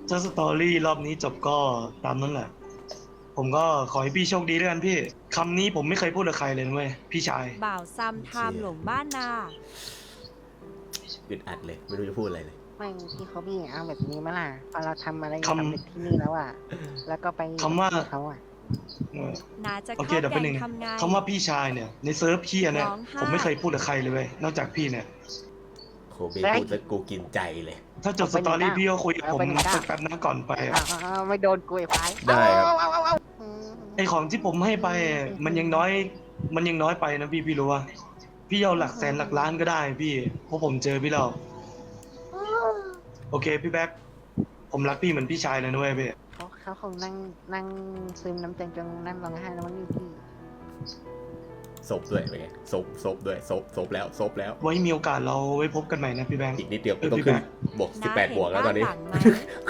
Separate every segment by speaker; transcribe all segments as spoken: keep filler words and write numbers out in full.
Speaker 1: ถ้าสตอรี่รอบนี้จบก็ตามนั้นแหละ ผมก็ขอให้พี่โชคดีด้วยกันพี่คำนี้ผมไม่เคยพูดกับใครเลยเว้ยพี่ชาย
Speaker 2: บ่าวซัมไทม์หลงบ้านนา
Speaker 3: อึดอัดเลยไม่รู้จะพูดอะไรเลย
Speaker 4: ไม่พี่เขาพี่เอาแบบนี้มาล่ะพอเราทำอะไรสำเร็จที่นี่แล้วอ่ะแล้วก็ไป
Speaker 1: คำว่า
Speaker 4: เขาอ่ะ
Speaker 2: นาจะ
Speaker 1: โอเค
Speaker 2: เข้า
Speaker 1: เดี๋ยว
Speaker 2: แก
Speaker 1: ไปห
Speaker 2: ง
Speaker 1: นึ่ง
Speaker 2: ทำไง
Speaker 1: คำว่าพี่ชายเนี่ยในเซิร์ฟพี่เนี่ย
Speaker 2: ร้องไห้
Speaker 1: ผมไม่เคยพูดกับใครเลยเว้ยนอกจากพี่เนี่ย
Speaker 3: โคเบพูดแล้วกูกินใจเลย
Speaker 1: ถ้าจบสตอรี่พี่ก็คุยกับผมสักแป๊บนะก่อนไปอะ
Speaker 4: อ้าวไม่โดนกุยไฟ
Speaker 3: ได้ครับ
Speaker 4: เอาเอาเอาเอา
Speaker 1: ไอของที่ผมให้ไปมันยังน้อยมันยังน้อยไปนะพี่พี่รู้ว่าพี่เอาหลักแสนหลักล้านก็ได้พี่เพราะผมเจอพี่แล้วโอเคพี่แบ๊กผมรักพี่เหมือนพี่ชายเลยนะเว้ยพี่
Speaker 4: เขาเขาคงนั่งนั่งซึมน้ำใจจนนั่งร้องไห้แล้วมั้งนี่พี่
Speaker 3: ศพด้วยเป็นไงศพศพด้วยศพศพแล้วศพแล้ว
Speaker 1: ไว้มีโอกาสเราไว้พบกันใหม่นะพี่แบงค์
Speaker 3: อีกนิดเดียวก็ต้องขึ้นบวกสิบแปดบวกแล้วตอนนี้
Speaker 2: าเห็บ้าหลังไหม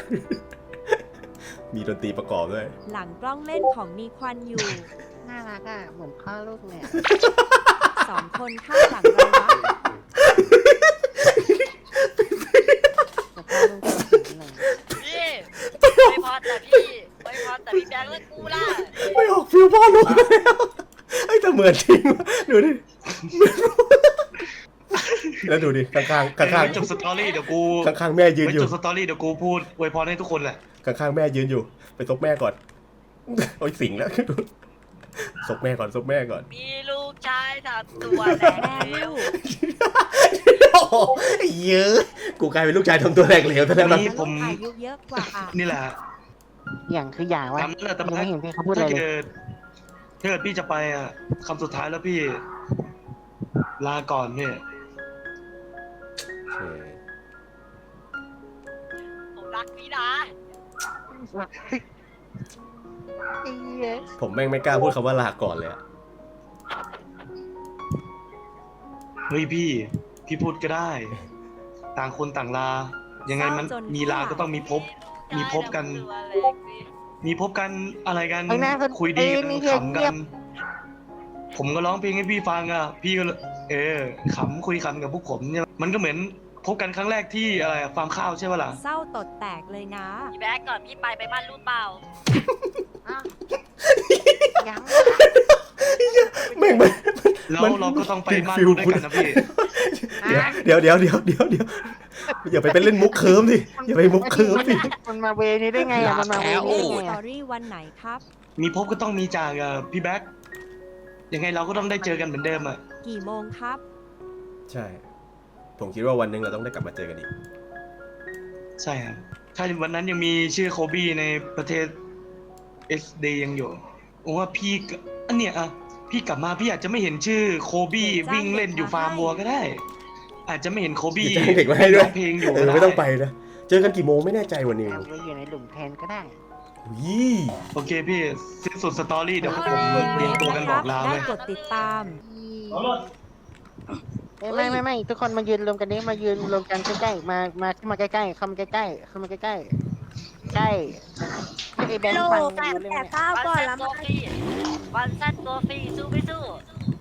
Speaker 3: มีดนตรีประกอบด้วย
Speaker 2: หลังกล้องเล่นของมีควันอยู่
Speaker 4: น่ารักอ่ะเหมือนพ่อลูกเนี่ย
Speaker 2: สองคนข้างหลังเราวะ
Speaker 4: แต่พ่อลูกเป็นสิ่งหนึ่ง
Speaker 5: พี่ไม่พอแต่พี่ไม่พอแต่พี่แบงค์และกูล่ะ
Speaker 3: ไม่ออกฟิลพ่อลูกแล้วไอ้แต่เหมือนจริงดูดิแล้วดูดิข้างข้างข้างข้าง
Speaker 1: จบสตอรี่เดี๋ยวกู
Speaker 3: ข้างข้างแม่ยืนอยู่
Speaker 1: จบสตอรี่เดี๋ยวกูพูดอวยพรให้ทุกคนแหละ
Speaker 3: ข้างข้างแม่ยืนอยู่ไปซบแม่ก่อนโอ้ยสิงแล้วซบแม่ก่อนซบแม่ก่อน
Speaker 5: มีลูกชายสามตัวแ
Speaker 2: แม่
Speaker 5: ล้ว
Speaker 2: ลูก
Speaker 3: โอ้เยอะกูกลายเป็นลูกชายทำตัวแหลกเหลวซะแล้วนะ
Speaker 1: นี่ผม
Speaker 2: อายุเยอะกว่าอ่ะ
Speaker 1: นี่แหละ
Speaker 4: อย่างคืออย่างว่า
Speaker 1: ตามนั้นแหละแต่
Speaker 4: ยังไม่เห็นพี่เขาพูดอะไร
Speaker 1: ถ้า
Speaker 4: เลย
Speaker 1: เกิดถ้าเกิดพี่จะไปอ่ะคำสุดท้ายแล้วพี่ลาก่อนเนี่ย
Speaker 5: ผมรักพี่นะ
Speaker 3: ผมแม่งไม่กล้าพูดคำว่าลาก่อนเลยอะ
Speaker 1: เฮ้ยพี่พี่พูดก็ได้ ต่างคนต่างลา ยังไงมันมีลาก็ต้องมีพบ มีพบกัน
Speaker 5: ตัวเล็กสิ
Speaker 1: มีพบกันอะไรกัน
Speaker 4: ไอ้หน้าคน
Speaker 1: คุยดีกัน
Speaker 4: ไอ้นี่เงียบ
Speaker 1: ขำกัน ผมก็ร้องเพลงให้พี่ฟังอ่ะ พี่ก็เออขำคุยขำกับพวกผมเนี่ยมันก็เหมือนพบกันครั้งแรกที่อะไรฟาร์มข้าวใช่ไหมล่ะ
Speaker 2: เศร้าตดแตกเลยนะ
Speaker 5: พี่แบงค์ก่อนพี่ไปไปบ้านรูดเปล่า
Speaker 4: อ้าวยัง
Speaker 3: แม่งมัน
Speaker 1: แล้ว
Speaker 3: มัน
Speaker 1: เราก็ต้องไป
Speaker 3: ติด
Speaker 1: บ้าน
Speaker 3: ฟิล
Speaker 1: ด้วยกันนะพี่
Speaker 3: เดี๋ยวเดี๋ยวเดี๋ยวเดี๋ยวเดี๋ยวอย่าไปเป็นเล่นมุกเคิร์มดิอย่าไปมุกเคิร์มดิ
Speaker 4: มันมาเวนี้ได้ไงอ่ะมันมาเวนี้ได้
Speaker 2: ส
Speaker 4: ไง
Speaker 2: ตอ
Speaker 4: อ่ะ
Speaker 2: รี่วันไหนครับ
Speaker 1: มีพบก็ต้องมีจากอ่ะพี่แบ๊กยังไงเราก็ต้องได้เจอกันเหมือนเดิมอ่ะ
Speaker 2: กี่โมงครับ
Speaker 3: ใช่ผมคิดว่าวันหนึงเราต้องได้กลับมาเจอกันอีก
Speaker 1: ใช่ครับถ้าวันนั้นยังมีชื่อโคบี้ในประเทศ เอส ดี ยังอยู่ผมว่าพี่ก็อันเนี้ยอ่ะพี่กลับมาพี่อาจจะไม่เห็นชื่อโคบี้วิ่งเล่นอยู่ฟาร์มวัวก็ได้ อาจจะไม่เห็นโคบี้
Speaker 3: จะให้เด็กมาให้ด้วย
Speaker 1: ร้องเพลงอยู่
Speaker 3: เอ
Speaker 1: ก็
Speaker 3: อ
Speaker 1: ด้
Speaker 3: ไม่ต้องไปนะเจอกันกี่โมงไม่แน่ใจวันนี้
Speaker 4: เอาไว้อยู่ในหลุมแทนก็ได้
Speaker 3: อุ้ย
Speaker 1: โอเคพี่สิ้นสุดสตอรี่เดี๋ยวพวกผมเรียงตัวกันบอกลา
Speaker 2: ได้
Speaker 1: เลย
Speaker 2: กดติดตาม
Speaker 4: ไม่ไม่ไม่ไม่ทุกคนมายืนรวมกันนี้มายืนรวมกันใกล้ๆมามาเข้ามาใกล้ๆเข้ามาใกล้ๆเข้ามาใกล้ๆใกล้ไอ้แบงค์ฟังเรื่องเนี่ย
Speaker 5: วันสั้นตัวฟรีวันสั้นตัวฟรีสู้ไม่สู้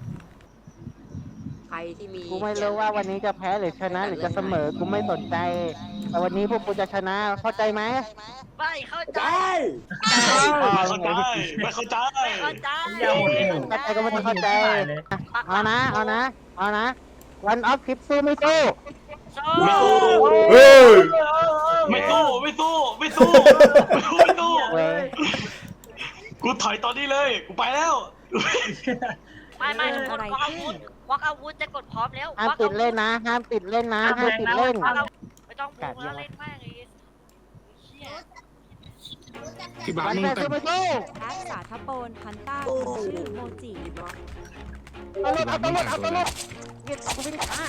Speaker 6: ใครที่มี
Speaker 4: กูไม่รู้ว่าวันนี้จะแพ้หรือชนะหรือจะเสมอกูไม่สนใจ แต่วันนี้พวกกูจะชนะเข้าใจไหม
Speaker 5: ไม่เข้าใจ
Speaker 1: ไม่เข้าใจไม่เข้าใจ
Speaker 5: ไม่เข้าใจ
Speaker 4: เข้าใจก็ไม่ต้องเข้าใจเอานะเอานะเอานะวันออฟคลิปสู้ไม่สู้
Speaker 5: สู้
Speaker 1: ไม่สู้
Speaker 3: เฮ้ย
Speaker 1: ไม่สู้ไม่สู้ไม่สู้ไม่สู้ไม่สู้
Speaker 4: เว้ย
Speaker 1: กูถอยตอนนี้เลยกูไปแล้ว
Speaker 5: ไม่ไม่ทุกคนควักอาวุธควักอาวุธจะกดพร้อมแล้ว
Speaker 4: ห้ามติดเล่นนะห้ามติดเล่นนะห้ามติดเล่น
Speaker 5: ไม่ต้องพูดแล้วเล่นมากเลยเชี่ย
Speaker 4: วันแต่สู้ไม่สู้
Speaker 2: แอดสาธโปนพันต้าชื่อโมจิ
Speaker 4: เอาตำรวจเอาตำรวจเอาตำรวจเย็ดกูวิ่งช้า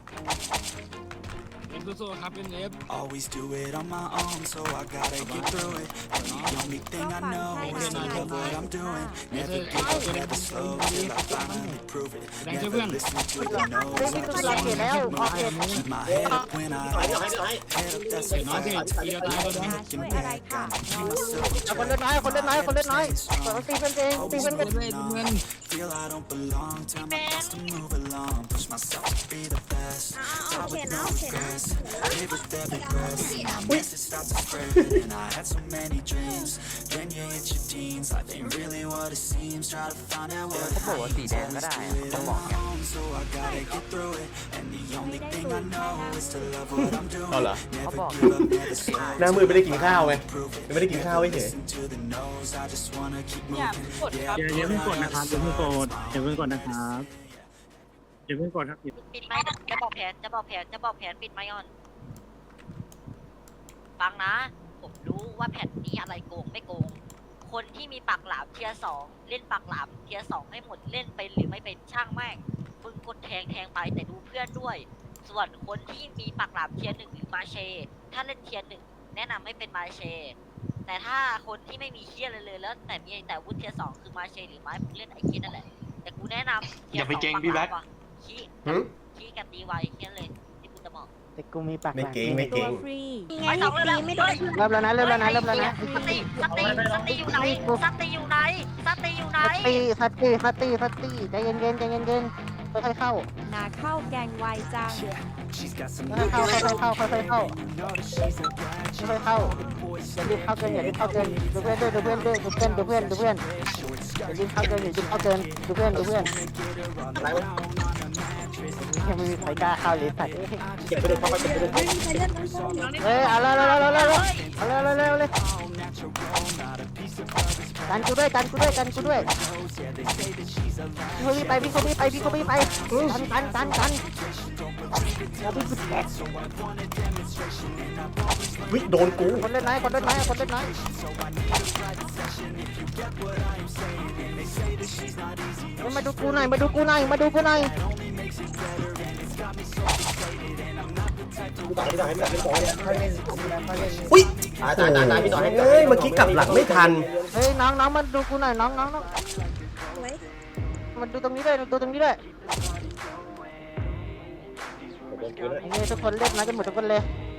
Speaker 7: Always do it on my own, so I gotta get through it. And the only thing I know is to love what I'm doing. Never give up, never slow till I finally prove it. Never listen to the no's, I just wanna keep moving. Keep my head up when I
Speaker 6: ถอยถอยถอย
Speaker 7: head up, that's when I got to
Speaker 2: นาช่วยอะไรค่ะ
Speaker 4: เอาคนเล่นน้อยคนเล่นน้อยคนเล่นน้อยเปิดตีเพื่อนเองตีเพื่อนเอง
Speaker 7: feel I don't belong. Tell my thoughts to move along. Push myself to be the best. Die with no regrets. Live with every breath. My message starts to spread, and I had so many dreams. Then you hit your teens, life ain't really what it seems. Try to find out what it means. Always do it on my own, so I gotta get through it. And the only thing I know is to love what I'm doing.
Speaker 3: เอาเหรอ
Speaker 7: Never give up, never slow.
Speaker 3: หน้ามือไม่ได้กินข้าวไงไม่ได้กินข้าวเฉย
Speaker 7: Listen to the no's. I just wanna keep moving.
Speaker 8: อย่าอย่าเพิ่งกดนะครับอย่าเพิ่งกดอย่าเพิ่งกดนะครับอย่าเพิ่งกดครับ
Speaker 5: ปิดไม้นะจะบอกแผนจะบอกแผนจะบอกแผนปิดไม้อ่อนฟังนะ ผมรู้ว่าแผนนี้อะไรโกงไม่โกง คนที่มีปากหลามเทียร์สองเล่นปากหลามเทียร์สองให้หมดเล่นเป็นหรือไม่เป็นช่างแม่งมึงกดแทงแทงไปแต่ดูเพื่อนด้วย ส่วนคนที่มีปากหลามเทียร์หนึ่งหรือมาเช ถ้าเล่นเทียร์หนึ่งแนะนำให้เป็นมาเช แต่ถ้าคนที่ไม่มีเทียร์เลยเลยแล้วแต่มีแต่วุฒิเทียร์สองคือมาเชหรือไม้มึงเล่นไอ้เทียร์นั่นแหละแต่กูแนะนำ
Speaker 1: อย่าไปเก่งพี่แบ็ค
Speaker 5: ขี้
Speaker 3: หึ
Speaker 5: ขี้กันตีไวแค่นั้นเลยที่กูจะบอก
Speaker 4: แต่กูมีปาก
Speaker 3: ไม่เก่งไม่
Speaker 2: ตั
Speaker 3: เก่
Speaker 2: ว
Speaker 3: ง
Speaker 2: ฟรี
Speaker 5: ไปสองเรื่องไม่โดน
Speaker 4: เริ่มแล้วนะเริ่มแล้วนะเริ่มแล้วนะ
Speaker 5: สติสติสติอยู่ไหนสติอยู่ไหนสติอยู่ไหน
Speaker 4: สตีสตีสตีสตีใจเย็นเย็นใจเย็นเย็นค่อยๆเข้า
Speaker 2: นาเข้าแกงไวจัง
Speaker 7: She's got some
Speaker 4: ค่อยๆเข้าค่อยๆเข้าค่อยๆเข้า
Speaker 7: you know that she's a bad
Speaker 4: ค่อยๆเข้าอย่ารีบเข้าเกินอย่ารีบเข้าเกินดูเพื่อนด้วยดูเพื่อนด้วยดูเพื่อนดูเพื่อนดูเพื่อนอย่ารีบเข้าเกินอย่ารีบเข้าเกินดูเพื่อนดูเพื่อนยังไม่มีใครกล้าเข้าเลยสัตว์
Speaker 6: เก็บไปเลยพ่อเก็บไปเลย
Speaker 4: เฮ้ยเอาเลยเอาเลยเอาเลยเอาเลยเอาเลยเอาเลยกันกูด้วยกันกูด้วยกันกูด้วยพี่โคบี้ไปพี่โคบี้ไปพี่โคบี้ไปกันกันกันกันแล้วพี่สุดแก่
Speaker 3: วิโดนกู
Speaker 4: คนเล่นน้อยคนเล่นน้อยคนเล่นน้อยมาดูกูหน่อยมาดูกูหน่อยมาดูกูหน่อย
Speaker 6: พี่ต่อพี่ต่อให้พี่ต่อให้ต่อให้
Speaker 3: อุ้ย
Speaker 6: ตายตายตายตายพี่ต่อให้
Speaker 3: เฮ้ยเมื่อกี้กลับหลังไม่ทัน
Speaker 4: เฮ้ยน้องน้องมาดูกูหน่อยน้องน้องน้องมาดูตรงนี้ด้วยดูตรงนี้ด้วยนี่ทุกคนเล่นนะกันหมดทุกคนเลย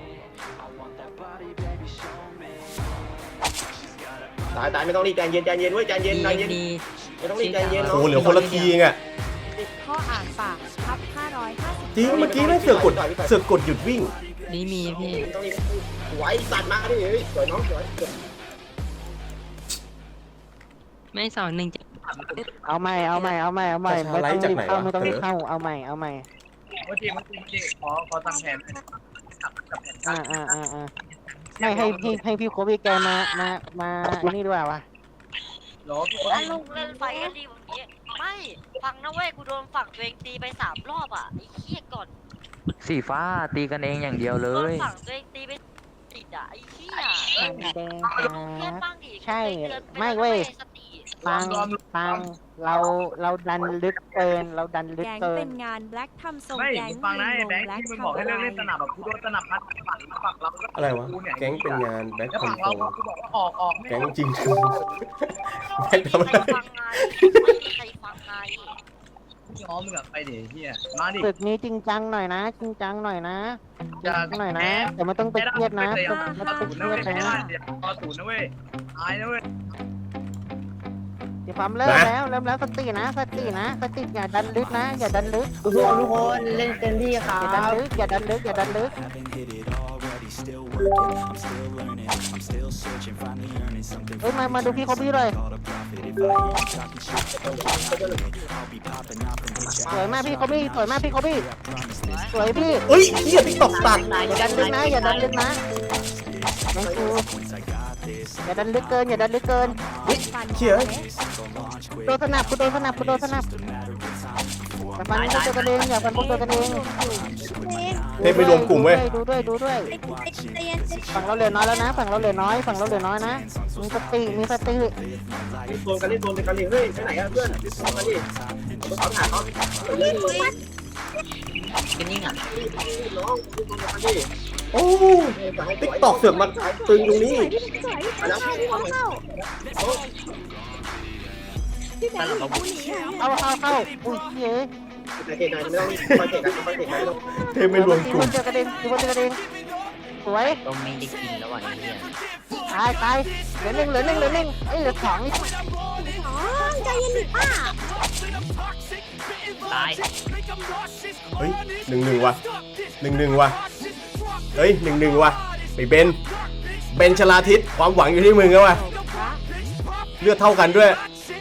Speaker 6: ตายตายไม่ต้องรีบใจเย็นใจเย็นเว้ยใจเย็นใจเย็นไม่ต้องรีบใจเย็น
Speaker 3: โอ้โหเหลือคนละทีเองอะ
Speaker 2: ข้ออ่านปากทับห้าร้อยห้าสิบ
Speaker 3: จริงเมื่อกี้แม่งเสือกกดเสือกกดหยุดวิ่ง
Speaker 9: นี่มีพี่
Speaker 6: ไม่ต้องรีบไหวสัตว์มาดิเฮ้ยสวยน้องสวย
Speaker 9: ไม่สอนหนึ่งจะ
Speaker 4: เอาใหม่เอาใหม่เอาใหม่เอาใหม่ไม่ต้องรีบเข้าไม่ต้องรีบเข้าเอาใหม่เอาใหม่
Speaker 8: เมื่อกี้เมื่อกี้เมื่อกี้ขอขอตั้งแผน
Speaker 4: อ่าอ่าอ่าอ่าไม่ให้พี่ให้พี่โคบี้แกมามามานี่ด้วยวะ
Speaker 8: หรอทุกคน
Speaker 5: ถ้าลุงเล่นไฟกันดีแบบนี้ไม่ฟังนะเว้ยกูโดนฝั่งตัวเองตีไปสามรอบอ่ะไอ้เหี้ยก่อน
Speaker 9: สีฟ้าตีกันเองอย่างเดียวเล
Speaker 5: โดน
Speaker 9: ย
Speaker 5: ฝั่งตัวเองตีไปติดอ่ะไอ้เหี้ย
Speaker 4: แดงค
Speaker 5: ลุงเพื่อน
Speaker 4: รับ
Speaker 5: บ้างดิ
Speaker 4: ใช่
Speaker 5: เตือนป
Speaker 4: ไม่
Speaker 5: แล้วนะ
Speaker 4: เว้ย
Speaker 5: สติ
Speaker 4: ฟังฟังเราเราดันลึกเกินเราดันลึก
Speaker 2: แก๊ง
Speaker 4: เกิ
Speaker 2: เป็น นงานแบล็กทำทรง
Speaker 8: ไม่
Speaker 2: แก๊ง
Speaker 8: ฟังนะ
Speaker 2: ยิ
Speaker 8: ไอ้
Speaker 2: ง
Speaker 8: แบ
Speaker 2: ล
Speaker 8: ง
Speaker 2: ง
Speaker 8: ค์
Speaker 2: แบล็ก
Speaker 8: ที่มัน
Speaker 2: ทำ
Speaker 8: บอกให้
Speaker 2: อะ
Speaker 8: เลิก
Speaker 2: ไร
Speaker 8: เล่นสนับแบบกูโดนสนับพัดฝั่งฝั่งเราก็
Speaker 3: อะไรวะแก๊งเป็นงานแบ็ค
Speaker 8: แล้ว
Speaker 3: คอ
Speaker 8: ฝั่
Speaker 3: น
Speaker 8: ง
Speaker 3: โทร
Speaker 8: เรากูบอกว่าออกออก
Speaker 3: แก๊งจริง
Speaker 5: ไม่
Speaker 3: แบ็ค
Speaker 5: มี
Speaker 3: ทำ
Speaker 5: ใค
Speaker 3: อะไร
Speaker 5: รฟังไงไม่มีใครฟังไง
Speaker 8: ย้อมมึงอะไปเดี๋ยวเฮียมาดิ
Speaker 4: ศึกนี้จริงจังหน่อยนะ จริงจังหน่อยนะจริงจังหน่อยนะ แต่ไม่ต้องไปเครียดนะไม่ต้องไป
Speaker 8: ศูนย์นะ
Speaker 4: เครี
Speaker 8: เว้
Speaker 4: ย
Speaker 8: ย
Speaker 4: ด
Speaker 8: ไม่ได้
Speaker 4: นะ
Speaker 8: เดี๋ยวพอศูนย์นะเว้ยตายนะเว้ย
Speaker 4: เดี๋ยวความเริ่มแล้วเริ่มแล้วสตินะสตินะสติอย่าดันลึกนะ อย่าดันลึก
Speaker 6: ทุกคนทุกคนเล่นเต็มที่ครั
Speaker 4: อย่าดัน
Speaker 6: บ
Speaker 4: ลึกอย่าดันลึกอย่าดันลึก
Speaker 7: Haven't hit it already, still working. I'm still learning, I'm still searching, finally earning something.
Speaker 4: เฮ้ยมามาดูพี่โคบี้เลย
Speaker 7: Called a profit. If I hear you talking shit, I'll be popping off and hit
Speaker 4: สวยมากพี่โคบี้สวยมากพี่โคบี้
Speaker 7: promise this.
Speaker 4: สวยพี่
Speaker 3: เฮ้ยเฮียติ๊กตอกตัด
Speaker 4: อย่าดันลึกนะอย่าดันลึกนะน้องกู
Speaker 7: Once I got this,
Speaker 4: อย่าดันลึกเกินอย่าดันลึกเกิน
Speaker 2: ฟัน
Speaker 3: เชี่ย
Speaker 2: เล็ก
Speaker 7: go launch quick.
Speaker 4: โดนสนับกูโดนสนับกูโดนสนับ
Speaker 7: Just a matter of time before
Speaker 4: อย่าฟันพวกตัวกันเองอย่าฟันพวกตัวกันเอง
Speaker 3: เทพไม่รวมกลุ่มเว้ย
Speaker 4: ดูด้วยดูด้วยฝั่งเราเหลือน้อยแล้วนะฝั่งเราเหลือน้อยฝั่งเราเหลือน้อยนะมีสติมีสติ
Speaker 6: เล่นโซนกันเล่นโซนกันเลยเฮ้ยไปไหนกันเพื่อนมาดิเขาหาเขาเล่นเลย
Speaker 9: เป็นยังไง
Speaker 6: น้องเล่นโซนกันดิ
Speaker 3: โอ้ติ๊กตอกเสือกมาตึงตรงนี้
Speaker 6: มาแล้วพี่มาแล้ว
Speaker 4: เข้าเข้าเข้าอุ้ยเฮ้ย
Speaker 6: โอเคกันไม่ต้องคอยเตะกันคอยเตะกันไม่ต้อง
Speaker 3: เทพไม่รวมกลุ่ม
Speaker 4: เจอกระเด็นมีคนเจอกระเด็นสวย
Speaker 9: ก็ไม่ได้กินแล้วอ่ะไอ้เหี้ย
Speaker 4: ตายตายเหลือหนึ่งเหลือหนึ่งเหลือหนึ่งเอ้ยเหลือสองนี่
Speaker 2: อ๋อใจเย็นดิป้า
Speaker 9: ตาย
Speaker 3: เฮ้ยหนึ่งหนึ่งว่ะหนึ่งหนึ่งว่ะเฮ้ยหนึ่งหนึ่งว่ะไปเบนเบนชลาทิศความหวังอยู่ที่มึงแล้วว่ะเลือดเท่ากันด้วย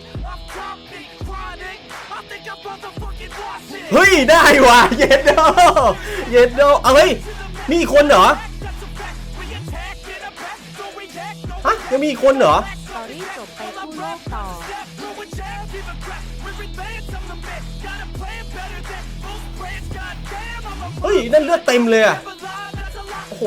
Speaker 3: เฮ้ยได้ว่ะเย็ดโดเย็ดโดเอาเฮ้ยนี่อีกคนเหรอฮะยังมีอีกคนเหรอ
Speaker 2: สตอรี่จบไปคู่โลกต่อ
Speaker 3: เฮ้ยนั่นเลือดเต็มเลยอะโอ้โห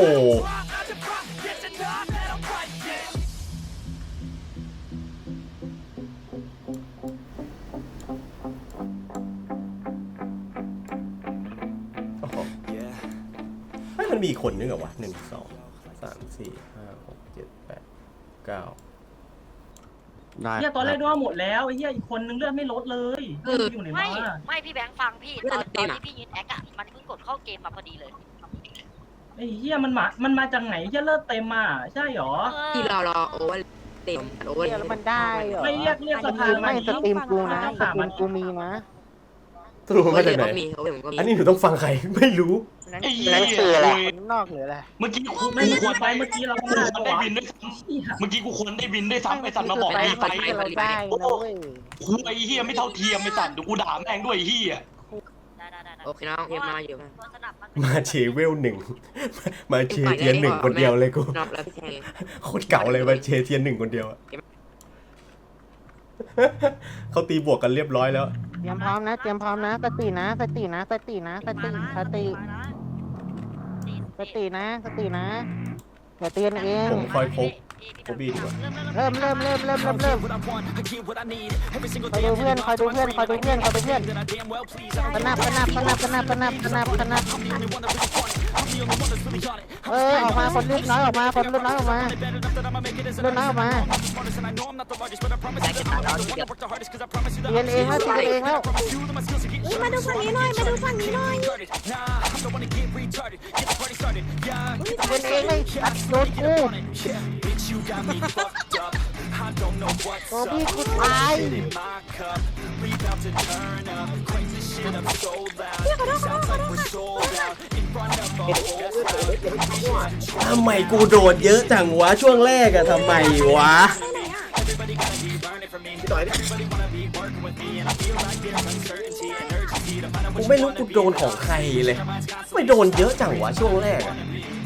Speaker 3: โอ้โหเฮ้ยมันมีอีกคนนึงเหรอวะหนึ่งสองสามสี่ห้าหกเจ็ดแปดเก้า
Speaker 8: เฮียตอนแรกด้วยหมดแล้วไอ้เฮียอีกคนนึงเลือดไม่ลดเลยอยู่ไหน
Speaker 5: ไม่
Speaker 8: มา
Speaker 5: ไม่พี่แบงค์ฟังพี่ตอนตอนที่พี่ยืนแอคอะมันเพิ่งกดเข้าเกมมาพอดีเลย
Speaker 8: ไอ้เฮียมันมามันมาจากไหนเฮียเลือดเต็มมาใช่หรอ
Speaker 9: ที่เรารอโอเวอร์เต็มโอเวอร์
Speaker 4: เดี๋ยวแล้วมันได้เหรอ
Speaker 8: ไม่เรียกเรียกสภา
Speaker 4: ไม่สตรีมกูนะสตรีมกูมีนะ
Speaker 3: สรุปมาจากไหน
Speaker 9: มีเขาผมก็มี
Speaker 3: อันนี้หนูต้องฟังใครไม่รู้
Speaker 4: นั่น
Speaker 1: ไอ้
Speaker 4: คื
Speaker 1: เหี้
Speaker 4: อย นั่นคืออะไรคนนอกหรืออะไร
Speaker 1: เมื่อกี้กู
Speaker 8: ไม่
Speaker 1: กู
Speaker 8: ไม่
Speaker 1: ควร
Speaker 8: ไป
Speaker 1: ไป
Speaker 8: เมื่อกี้เรา
Speaker 1: กู
Speaker 8: ไม่ได้
Speaker 1: ควรได้บินด้วยซ้ำเมื่อกี้กูควรได้บินด้วยซ้ำไอ้สัตว์มาบอก
Speaker 4: ไป
Speaker 1: รีบ
Speaker 4: ไป
Speaker 1: ไป
Speaker 4: ที่เราได้นะเว้ย
Speaker 1: คุยไอ้เหี้ยไม่เท่าเทียมไอ้สัตว์เดี๋ยวกูด่าแม่งด้วยไอ้เหี้ย
Speaker 5: ได้ได้ได้
Speaker 9: โอเคน้องเอ็มมาอยู่มา
Speaker 5: ตัวสนับมัน
Speaker 3: มาเชเวลหนึ่งมาเชเทียนหนึ่งคนเดียวเลยกู
Speaker 9: นอกแล้วพี่แทง
Speaker 3: โคตรเก่าเลยมาเชเทียนหนึ่งคนเดียวอะเขาตีบวกกันเรียบร้อยแล้ว
Speaker 4: เตรียมพร้อมนะเตรียมพร้อมนะสตินะสตินะสตินะสติสติสตินะสตินะอย่าเตือนเอง
Speaker 3: ผมคอยพบพบบีดีกว่า
Speaker 4: เริ่มเริ่มเริ่มเริ่มเริ่มเริ่มคอยดูเพื่อนคอยดูเพื่อนคอยดูเพื่อนคอยดูเพื่อนปนับปนับปนับปนับปนับปนับปนับเออออกมาคนเลือดน้อยออกมาคนเลือดน้อยออกมาเลือดน้อยออกมาเรียนเองแล้วเรียนเองแล้ว
Speaker 2: มาดูฝั่งนี้หน่อย มาดูฝั่งนี้หน่อย
Speaker 4: เรียนเองเลยอัดโดนกูโอ้พี่กูตาย
Speaker 3: ทำไมกูโดดเยอะจังวะช่วงแรกอะทำไมวะ
Speaker 6: พี่ต่อยดิ
Speaker 3: กูไม่รู้กูโดนของใครเลย ไม่โดนเยอะจังวะช่วงแรกอะ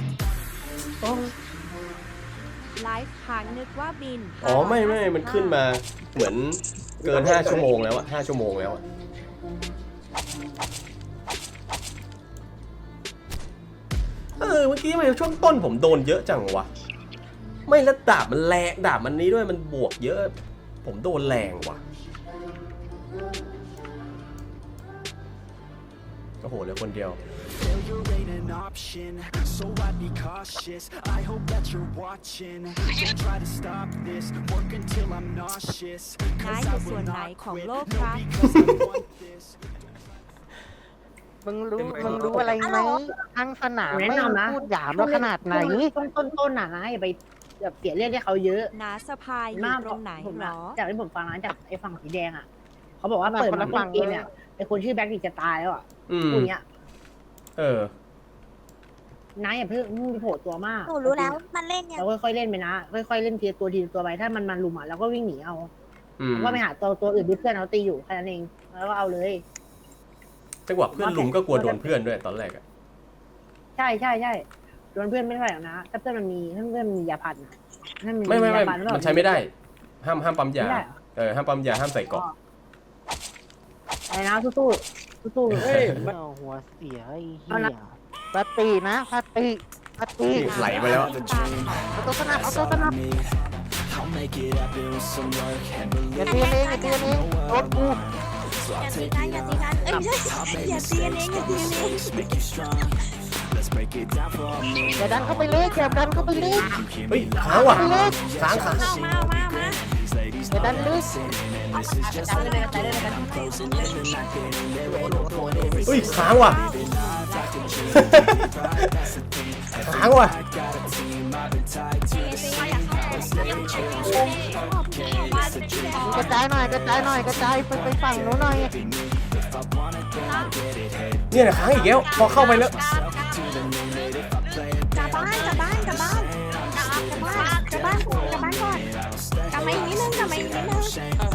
Speaker 2: ไลฟ์ค้างนึกว่าบิน
Speaker 3: อ๋อไม่ไม่มันขึ้นมาเหมือนเกินห้าชั่วโมงแล้วอะห้าชั่วโมงแล้วอะเออเมื่อกี้ทำไมช่วงต้นผมโดนเยอะจังวะไม่แล้วดาบมันแรงดาบมันนี้ด้วยมันบวกเยอะ ผมโดนแรงว่ะโอ้โหเหลือคนเดียว
Speaker 7: So I'd be cautious. I hope that you're watching. Don't try to stop this. Work until I'm nauseous.
Speaker 2: นายอยู่ส่วนไหนของโลกครับ
Speaker 7: Because I want this.
Speaker 4: มึงรู้มึงรู้อะไรไหมทั้งสนามไม่พูดหยามเราขนาดไหน
Speaker 10: ต้นต้นต้นน่ะนะอย่าไปแบบเสียเรื่องที่เขาเยอะ
Speaker 2: นาสะพายอยู่ตรงไหน
Speaker 10: ผม
Speaker 2: หร
Speaker 10: อะ
Speaker 2: อ
Speaker 10: จากที่ผมฟังนะจากไอ้ฝั่งสีแดงอ่ะเขาบอกว่า
Speaker 4: แบบ
Speaker 10: เปิด
Speaker 4: คน
Speaker 10: มา
Speaker 4: ละ
Speaker 10: ต้
Speaker 4: ฝั่
Speaker 10: น
Speaker 4: ง
Speaker 10: เกมเนี่ยไอ้คนชื่อแบ็คดิจะตายแล้วอ่ะ
Speaker 3: อืม
Speaker 10: พูดอย่างเงี้ย
Speaker 3: เออ
Speaker 10: นายอย่าเพิ่งมึงโผล่ตัวมาก
Speaker 2: หนูรู้แล้วมันเล่นเนี่ย
Speaker 10: เราค่อยๆเล่นไปนะค่อยๆเล่นทีละตัวทีละตัวไปถ้ามันมันลุมอ่ะเราก็วิ่งหนีเอา
Speaker 3: อืม
Speaker 10: ว่าไปหาตัวตัวอื่นที่เพื่อนเขาตีอยู่แค่นั้นเองแล้วก็เอาเลย
Speaker 3: จังหวะเพื่อนลุมก็กลัวโดนเพื่อนด้วยตอนแรกอะ
Speaker 10: ใช่ใช่ใช่โดนเพื่อนไม่เท่าไหร่หรอกนะถ้าเพื่อนมันมีถ้าเพื่อนมันมียาพันอะถ้า
Speaker 3: ไม่ไม่ไม่
Speaker 10: ยาพัน
Speaker 3: มันใช้ไม่ได้ ห้ามห้ามปั๊มยา
Speaker 10: ไม่ได้เหรอ
Speaker 3: เออห้ามปั๊มยาห้ามใส่เกราะ
Speaker 10: ไอ้นะสู้ๆสู้ๆเอ้ย
Speaker 4: เอาหัวเสียไอ้เหี้ยสตินะสติสติ
Speaker 3: นี่ไหลไปแล้ว
Speaker 4: เอาตัวสนับเอาตัวสนับ
Speaker 7: I'll make it happen with some work and
Speaker 4: อย่า
Speaker 7: believe
Speaker 4: เตียนเองอย่าเตียนเองโดนกู
Speaker 7: so I'll take
Speaker 2: อย่า
Speaker 7: it
Speaker 2: ตี
Speaker 7: on.
Speaker 2: กันเอ้ยไม่ใช่
Speaker 7: I'll make
Speaker 2: อย่าตีกันเอง
Speaker 7: mistakes,
Speaker 2: อย่า
Speaker 7: but
Speaker 2: ตีกันเอง
Speaker 7: mistakes make you strong. Let's break it down for a minute.
Speaker 4: อย่าดันเข้าไปเลยอย่าดันเข้าไปเลย
Speaker 3: เฮ้ยค้างว่ะค้างค้าง
Speaker 2: เอามาเอามาเอามา
Speaker 7: These ladies
Speaker 4: อย่าดันลึก
Speaker 3: เฮ้ยค้างว่ะ ค้างว่ะ
Speaker 4: กระจายหน่อยกระจายหน่อยกระจายไปไปฝั่งนู้นหน่อย
Speaker 3: เนี่ยนะค้างอีกแล้วพอเข้าไปแล้ว
Speaker 10: กลับบ้านกลับบ้านกลับบ้านกลับบ้านกลับบ้านก่อนกลับมาอีกนิดนึงกลับมาอีกนิดนึง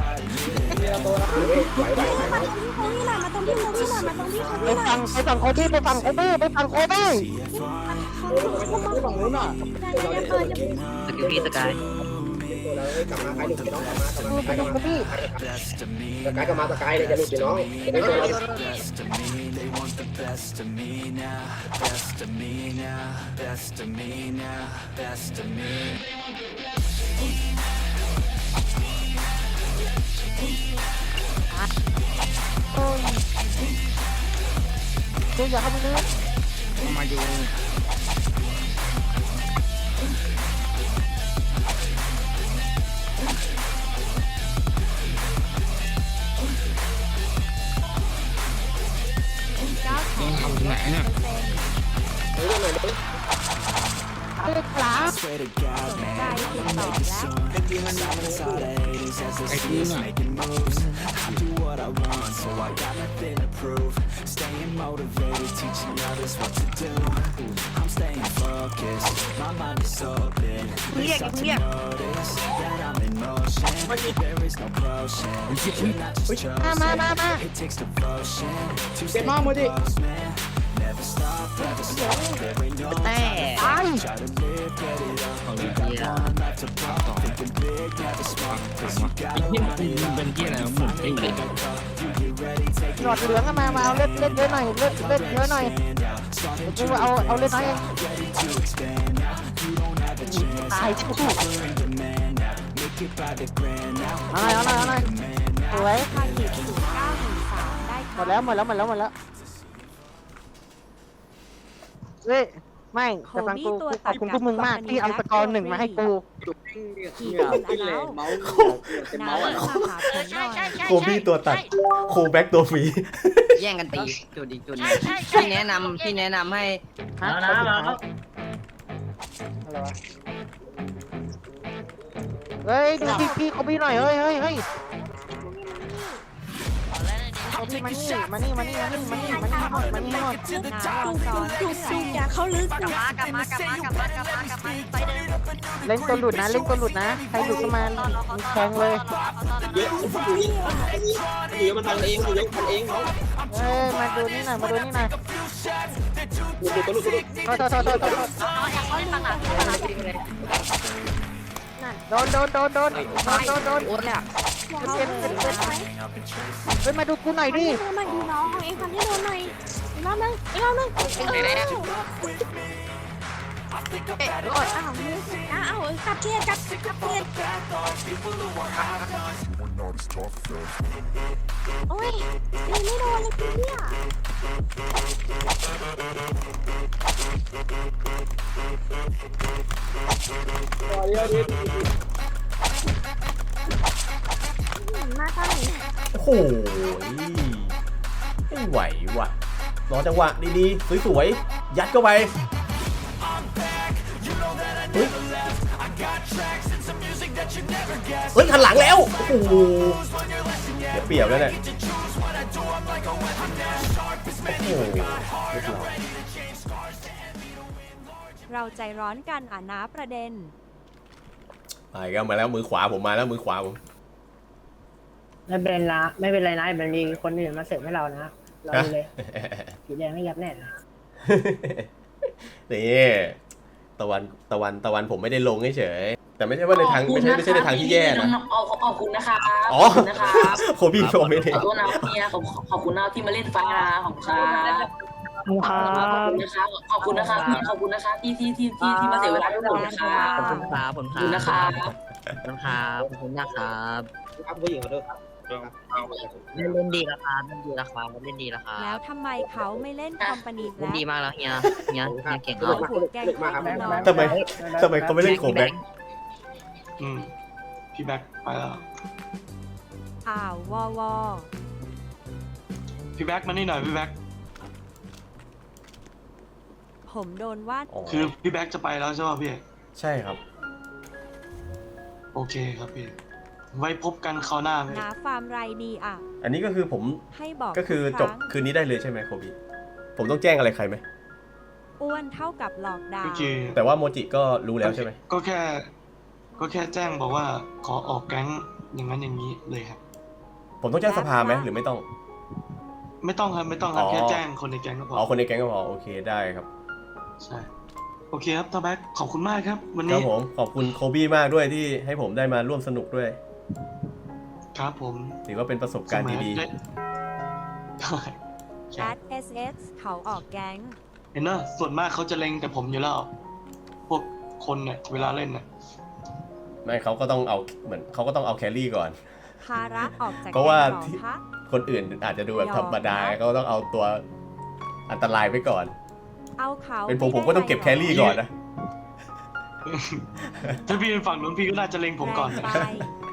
Speaker 10: มาตรงที่โคบี้หน่อยมาตรงที่โค
Speaker 4: ไป
Speaker 10: บี้หน่อย
Speaker 4: ฝั่งไปฝั่งโคบี้ไปฝั่งโคบี้ไปฝั่งโคบี้
Speaker 6: ฝั่งนู้นน่ะ
Speaker 9: สกิลพี่สกาย
Speaker 6: กลับมาใครหลุดไปน้องกลับมา
Speaker 4: ไปฝั่งโคบี้
Speaker 6: สกายกลับมาสกายเลยจะหลุดไปน้องไม่ตัวเรา
Speaker 7: They want the best of me now, best of me now, best of me now, best of me.
Speaker 4: โอ้ยเดี๋ยวอย่าเข้าไปลึก
Speaker 8: มาอยู่
Speaker 2: เก้าแสน
Speaker 8: ทำที่ไหนเนี่ย
Speaker 4: เลือกขลา
Speaker 7: Swear to God,
Speaker 2: ใจ
Speaker 7: man,
Speaker 2: ติดต่อแล้ว
Speaker 7: silence all the haters as they see us making moves. I do what I want, so I got nothing to prove. Staying motivated, teaching others what to do. I'm staying focused, my mind is open. They start to notice that I'm in motion. There is no potion, you're not just
Speaker 4: มามามามา
Speaker 7: chosen. It takes devotion to stay close, man. Never stop, never stop. There ain't no
Speaker 9: แต่
Speaker 7: try to live, get it up.
Speaker 9: ของ
Speaker 7: You
Speaker 9: เฮีย
Speaker 7: got one life to pop. Thinking big, never small. Cause you
Speaker 8: ไอ้
Speaker 7: gotta
Speaker 8: เหี้ย
Speaker 7: live it
Speaker 8: มัน
Speaker 7: up.
Speaker 8: เป็นเหี้ยอะไรหมุนไอ้เหี้ย
Speaker 7: You get ready, take
Speaker 4: หลอดเหลืองอะมามาเอาเลือดเลือดเยอะหน่อยเลือดเลือดเยอะหน่อยกูเอาเอาเลือดน้อยเอง
Speaker 7: ready to expand now. You don't have a chance.
Speaker 4: ตายชิบกู
Speaker 7: We're in demand now. Make it by the grand now.
Speaker 4: เอาหน่อยเอาหน่อยเอาหน่อยสวย
Speaker 2: พาหิบศูนย์เก้าหนึ่งสามได้
Speaker 4: หมดแล้วหมดแล้วหมดแล้วหมดแล้วเฮ้ยไม่แต่ฟังกูกูขอบคุณพวกมึงมากที่เอาสกอร์หนึ่งมาให้กู
Speaker 2: กี่คนอันแล้วน้ามาหาผมหน่อย
Speaker 3: โคบี้ตัวตัด โคแบ็กตัวฟรี
Speaker 9: แย่งกันตีจุดอีกจุดหนึง
Speaker 5: ใช่ใช่
Speaker 9: พี่แนะนำพี่แนะนำให้
Speaker 4: ฮะ
Speaker 8: แล้วนะแล้ว
Speaker 4: อะไรวะเฮ้ยดูพี่พี่เขาพี่หน่อยเฮ้ยเฮ้ยเฮ้ยเขาพี่มานี่มานี่มานี่มานี่มานี่มานี่หมดมานี่หมด
Speaker 2: น้าวางซ้อน
Speaker 10: ดูดูอย่าเขาลึก
Speaker 5: กลับมากลับมากลับมากลับมากลับมากลับมาไปเดิม
Speaker 4: เล่นตัวหลุดนะเล่นตัวหลุดนะใครหลุดก็มาแทงเลย
Speaker 6: เยอะอยู่นี่อยู่มันทำเองอยู่เยอะทำเองน้อง
Speaker 4: เฮ้ยมาดูนี่หน่อยมาดูนี่หน่อย
Speaker 6: หลุดหลุดหลุดหลุด
Speaker 4: โทษโทษโทษโทษโทษ
Speaker 5: น้องอยากเล่นปังหลังปังหลัง
Speaker 4: โดนโดนโดนโดนโดนโดนโดน
Speaker 9: โอ๊ตเนี่ย
Speaker 10: อย่าเขาลึกไปไหม
Speaker 4: เฮ้ยมาดูกูหน่อยดิ
Speaker 10: ดูหน่อยดูน้องของเองทำให้โดนหน่อยอีกรอบนึงอีกรอบนึงเอออ้าวมืออ้าวกลับเกียร์กลับกลับเกียร์โอ้ยยิงไม่โดนเลยพี่เนี่ย
Speaker 6: เยอะดิ
Speaker 10: มาตอนนี้
Speaker 3: โอ้โหไม่ไหวว่ะ รอจังหวะดีๆ สวยๆ ยัดเข้าไป เฮ้ย เฮ้ยหันหลังแล้ว โอ้โหเดี๋ยวเปรียบแล้วเนี่ย โอ้โหเรียบร้อย
Speaker 2: เราใจร้อนกันอ่านะประเด็น
Speaker 3: ไปก็มาแล้วมือขวาผมมาแล้วมือขวาผม
Speaker 10: ไม่เป็นไรไม่เป็นไรนะมันมีคนอื่นมาเสริมให้เรานะเราเลยสีแดงไม่ยับแน่นะ
Speaker 3: นี่ตะวันตะวันตะวันผมไม่ได้ลงเฉยๆแต่ไม่ใช่ว่าในทางไม่ใช่ไม่ใช่ในทางที่แย่นะ
Speaker 11: ขอบคุณนะคะ
Speaker 3: อ๋อ
Speaker 11: ขอบคุณนะคะ
Speaker 3: โคบี้โคไม่ได้
Speaker 11: ขอโทษนะเมียขอบขอบคุณนะที่มาเล่นฟ้าขอบคุณค่ะขอบคุณนะคะขอบคุณนะคะพี่ขอบคุณนะคะที่ที่ที่ที่ที่มาเสียเวลาด้วยผมนะคะ
Speaker 9: ขอบคุณครับขอบ
Speaker 11: ข
Speaker 9: คุ
Speaker 11: อบ
Speaker 9: ณ
Speaker 11: คุณ
Speaker 9: ครั
Speaker 11: นะ
Speaker 9: บ
Speaker 11: คะ
Speaker 9: ขอบคุณนะครับ
Speaker 6: ครับผู้หญิงขอโทษครับ
Speaker 9: เล่นเล่นดีแล้วครับเล่นดีแล้วครับเล่นดีแล้วครับ
Speaker 2: แล้วทำไมเขาไม่เล่นคอมพานี
Speaker 9: เล่น
Speaker 2: และ
Speaker 9: ดีมากแล้วเฮียเฮียเฮียเก่ง
Speaker 6: สนุ
Speaker 9: แล้
Speaker 6: ก
Speaker 9: ว
Speaker 6: มากสนุกมากครับ
Speaker 3: ทำไมทำไมเขาไม่เล่นโคแบ็ก
Speaker 1: อืมพี่แบ็คไปแล้ว
Speaker 2: อ่าววอวอ
Speaker 1: พี่แบ็คมานี่หน่อยพี่แบ็ค
Speaker 2: ผมโดนวาด
Speaker 3: อ๋อ
Speaker 1: คือพี่แบ็คจะไปแล้วใช่ป่ะพี่
Speaker 3: ใช่ครับ
Speaker 1: โอเคครับพี่ ไว้พบกันคราวหน้าพี่
Speaker 2: นาฟาร์มไรดีอ่ะ
Speaker 3: อันนี้ก็คือผม
Speaker 2: ให้บอก
Speaker 3: ก็คือ
Speaker 2: ทุ
Speaker 3: จบ
Speaker 2: รั้ง
Speaker 3: คืนนี้ได้เลยใช่ไหมโคบิผมต้องแจ้งอะไรใครไหม
Speaker 2: อ้วนเท่ากับหลอกดา
Speaker 1: ก็
Speaker 2: ว
Speaker 1: คือ
Speaker 3: แต่ว่าโมจิก็รู้แล้วใช่ไหม
Speaker 1: ก็แค่ ก็แค่แจ้งบอกว่าขอออกแก๊งอย่างนั้นอย่างนี้เลยครับ
Speaker 3: ผมต้องแจ้งสภาไหมหรือไม่ต้อง
Speaker 1: ไม่ต้องครับไม่ต้องครับ
Speaker 3: อ๋อ
Speaker 1: แค่แจ้งคนในแก๊งก็พ
Speaker 3: อ๋
Speaker 1: อ
Speaker 3: อคนในแก๊งก็พอโอเคได้ครับ
Speaker 1: ใช่โอเคครับตาแบ็คขอบคุณมากครับ วัน
Speaker 3: ครั
Speaker 1: นี้
Speaker 3: บผมขอบคุณโคบี้มากด้วยที่ให้ผมได้มาร่วมสนุกด้วย
Speaker 1: ครับผม
Speaker 3: ถือว่าเป็นประสบการณ์ดี
Speaker 1: ได้
Speaker 2: แอด เอส เอส เขาออกแก๊ง
Speaker 1: เห็นเนอะส่วนมากเขาจะเล็งแต่ผมอยู่แล้ว พวกคนเนี่ยเวลาเล่นเนี่ย
Speaker 3: ๆไม่เขาก็ต้องเอาเหมือนเขาก็ต้องเอาแครี่ก่อน
Speaker 2: ภาระออกจาก
Speaker 3: เพราะว่า
Speaker 2: แก๊งหรอ
Speaker 3: ที่
Speaker 2: คะ
Speaker 3: คนอื่นอาจจะดูแบบ
Speaker 2: ยอม
Speaker 3: ธรรมดาเขาต้องเอาตัวอันตรายไว้ก่อน
Speaker 2: เอาเขา
Speaker 3: เป็นผมผม
Speaker 2: ไได้
Speaker 3: ก็ต้องเก็บแครี่ก่อนนะ
Speaker 1: ถ้าพี่เป็นฝั่งนู้นพี่ก็น่าจะเล็งผมก่อน
Speaker 2: แรง
Speaker 1: นะ
Speaker 2: ไป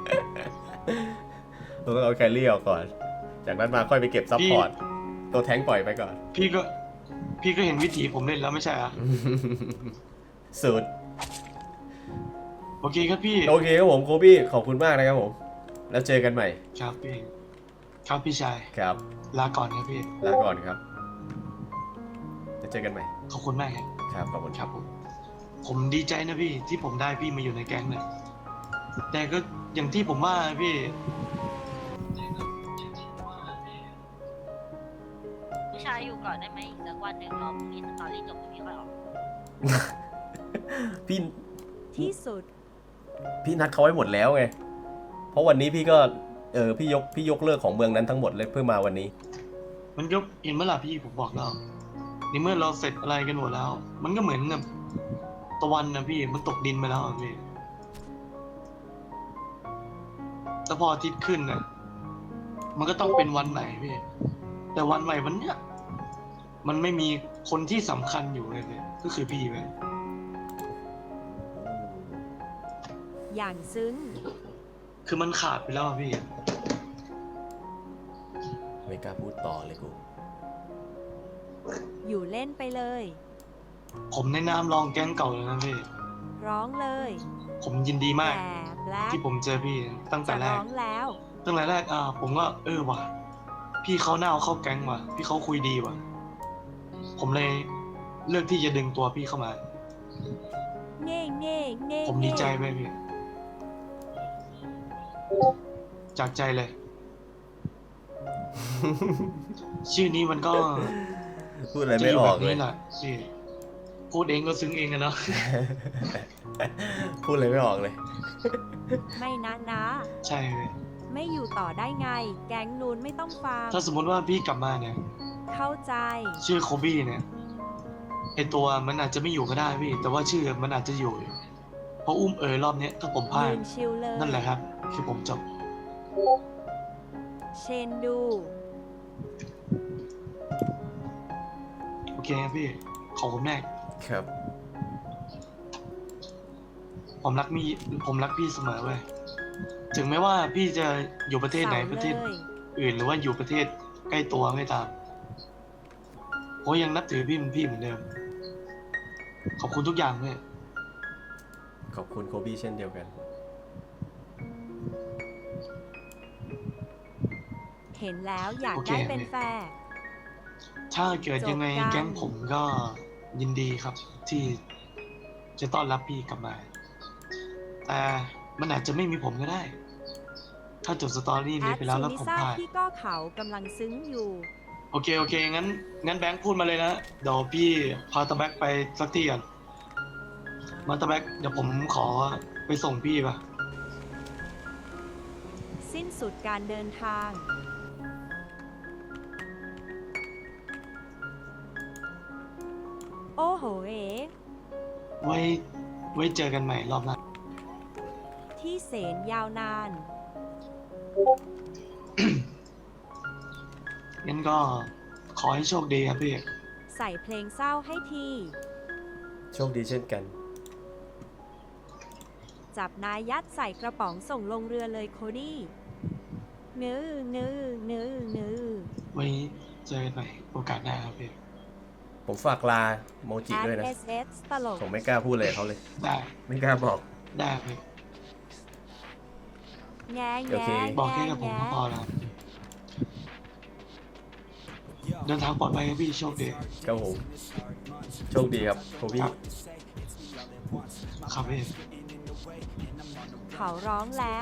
Speaker 3: เราต้องเอาแครี่ออกก่อน จากนั้นมาค่อยไปเก็บซัพพอร์ตตัวแท้งปล่อยไปก่อน
Speaker 1: พี่ก็ พี่ก็เห็นวิถีผมเล่นแล้วไม่ใช่เหรอ
Speaker 3: สุด
Speaker 1: โอเคครับพี่
Speaker 3: โอเคครับผมโคบี้ขอบคุณมากนะครับผม แล้วเจอกันใหม่
Speaker 1: ครับพี่ ครับพี่ชาย
Speaker 3: ครับ
Speaker 1: ลาก่อนครับพี่
Speaker 3: ลาก่อนครับแล้วเจอกันใหม่
Speaker 1: ขอบคุณมากครับ
Speaker 3: ครับขอบคุณ
Speaker 1: ครับผม ผมดีใจนะพี่ที่ผมได้พี่มาอยู่ในแก๊งเนี่ยแต่ก็อย่างที่ผมว่าพี่
Speaker 5: พี่ชายอยู่ก่อนได้ไหมอีกสักวันหนึ่งรอพรุ่งนี้สตอรี่จบพรุ่งนี้ค่อยออก
Speaker 3: พี่
Speaker 2: ที่สุด
Speaker 3: พี่นัดเขาไว้หมดแล้วไง เพราะวันนี้พี่ก็เออพี่ยกพี่ยกเลิกของเมืองนั้นทั้งหมดเลยเพื่อมาวันนี้
Speaker 1: มันยกเห็นเมื่อไหร่พี่ผมบอกแล้วในเมื่อเราเสร็จอะไรกันหมดแล้ว มันก็เหมือนกับตะวันนะพี่มันตกดินไปแล้วอะพี่แต่พออาทิตย์ขึ้นน่ะมันก็ต้องเป็นวันไหนพี่แต่วันใหม่วันเนี้ยมันไม่มีคนที่สำคัญอยู่เลยเนี่ยก็คือพี่เว้ย
Speaker 2: อย่างซึ้ง
Speaker 1: คือมันขาดไปแล้วอะพี่
Speaker 3: ไม่กล้าพูดต่อเลยกู
Speaker 2: อยู่เล่นไปเลย
Speaker 1: ผมในนามรองแก๊งเก่าเลยนะพี่
Speaker 2: ร้องเลย
Speaker 1: ผมยินดีมาก
Speaker 2: แต่แบล็ค
Speaker 1: ที่ผมเจอพี่ตั้งแต่
Speaker 2: จะ
Speaker 1: แร
Speaker 2: ร้
Speaker 1: ก
Speaker 2: องแล้ว
Speaker 1: ตั้งแต่แรกอ่าผมก็เออว่ะพี่เขาหน้าเอาเข้าแก๊งว่ะพี่เขาคุยดีว่ะผมเลยเลือกที่จะดึงตัวพี่เข้ามา
Speaker 2: เง่เง่เง่
Speaker 1: ผมดีใจ
Speaker 2: เง่
Speaker 1: ไหมพี่จากใจเลย ชื่อนี้มันก็
Speaker 3: พูดอะไรไม่ออกเลย
Speaker 1: จะยู่แบบนี้แหละพี่พูดเองก็ซึ้งเองอะเนาะ
Speaker 3: พูดอะไรไม่ออกเลย
Speaker 2: ไม่นะนะ
Speaker 1: ใช่พี่
Speaker 2: ไม่อยู่ต่อได้ไง แก๊งนูนไม่ต้องฟัง
Speaker 1: ถ้าสมมติว่าพี่กลับมาเนี่ย
Speaker 2: เข้าใจ
Speaker 1: ชื่อโคบี้เนี่ยไอตัวมันอาจจะไม่อยู่ก็ได้พี่ แต่ว่าชื่อมันอาจจะอยู่ เพราะอุ้มเอ๋ยรอบเนี้ยถ้าผมพลา
Speaker 2: ยื
Speaker 1: ด
Speaker 2: นชิลเลย
Speaker 1: นั่นแหละครับ คือผมจบ
Speaker 2: เชนดู
Speaker 1: โอเคครับพี่ ขอบคุณแม่
Speaker 3: ครับ
Speaker 1: ผมรักมีผมรักพี่เสมอเว้ยถึงแม้ว่าพี่จะอยู่ประเทศไหน
Speaker 2: เสา
Speaker 1: ประเทศ
Speaker 2: เลย
Speaker 1: อื่นหรือว่าอยู่ประเทศใกล้ตัวไม่ตามผมยังนับถือพี่เป็นพี่เหมือนเดิม ขอบคุณทุกอย่างเว้ย
Speaker 3: ขอบคุณโคบี้เช่นเดียวกัน
Speaker 2: เห็นแล้วอยาก
Speaker 1: โอเค
Speaker 2: ได้เป็นแฟน
Speaker 1: ถ้าเกิดยังไง
Speaker 2: จบกัน
Speaker 1: แก๊งผมก็ยินดีครับ ที่จะต้อนรับพี่กลับมา แต่มันอาจจะไม่มีผมก็ได้ ถ้าจบสตอรี่
Speaker 2: แอ
Speaker 1: นี้
Speaker 2: ด
Speaker 1: ไปแล้ว
Speaker 2: ซู
Speaker 1: แล้ว
Speaker 2: นิ
Speaker 1: ผม
Speaker 2: ซ่า
Speaker 1: พลาด
Speaker 2: ที่ก็เขากำลังซึ้งอยู่
Speaker 1: โอเค โอเค งั้น งั้นแบงค์พูดมาเลยนะ เดี๋ยวพี่พาตะแบ็กไปสักที่ก่อนมาตะแบ็กเดี๋ยวผมขอไปส่งพี่ป่ะ
Speaker 2: สิ้นสุดการเดินทาง โอ้โหเอ๋
Speaker 1: ไว้ ไว้เจอกันใหม่รอบหน้า
Speaker 2: ที่เสนยาวนาน
Speaker 1: งั้นก็ขอให้โชคดีครับพี่
Speaker 2: ใส่เพลงเศร้าให้ที
Speaker 3: โชคดีเช่นกัน
Speaker 2: จับนายยัดใส่กระป๋องส่งลงเรือเลยโคดี้เนื้อเนื้อเนื้อเนื้อ
Speaker 1: ไว้เจอกันใหม่โอกาสหน้าครับพี่
Speaker 3: ผมฝากลาโมจิด้วยนะ
Speaker 2: เอสเอสตลก
Speaker 3: ผมไม่กล้าพูดเลยเขาเลย
Speaker 1: ได้
Speaker 3: ไม่กล้าบอก
Speaker 1: ได้พี่
Speaker 2: แง่
Speaker 3: โอเค
Speaker 2: แง่
Speaker 1: บอกแค่
Speaker 2: แง่
Speaker 1: กับผม
Speaker 2: แง่
Speaker 1: ก็พอแล้วเดินทางปลอดภัยครับพี่โชคดี
Speaker 3: ครับผมโชคดีครับโคบี้
Speaker 1: ครับพี่
Speaker 2: เขาร้องแล้ว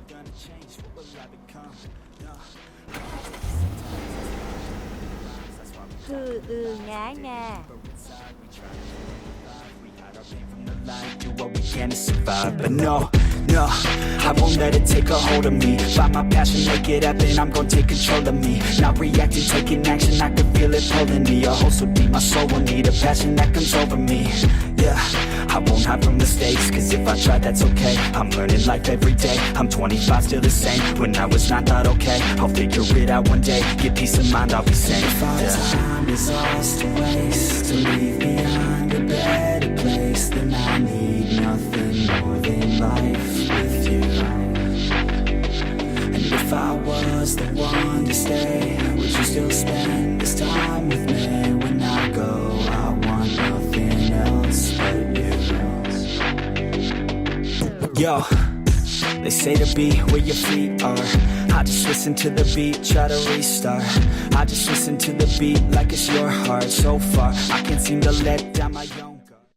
Speaker 2: คืออือแง่แง่
Speaker 7: do what we can to survive. But no, no, I won't let it take a hold of me. Find my passion, make it happen, I'm gonna take control of me. Not reacting, taking action, I can feel it pulling me. A hole so deep, my soul will need a passion that comes over me. Yeah, I won't hide from mistakes, cause if I try, that's okay. I'm learning life every day, I'm twenty-five, still the same. When I was nine, thought okay, I'll figure it out one day. Get peace of mind, I'll be safe. If our yeah. time is ours to waste, to leave behind a better place, then I need nothing more than life with you. And if I was the one to stay, would you still spend this time with me? When I go, I want nothing else but you. Yo, they say to be where your feet are. I just listen to the beat, try to restart. I just listen to the beat like it's your heart. So far, I can't seem to let down my own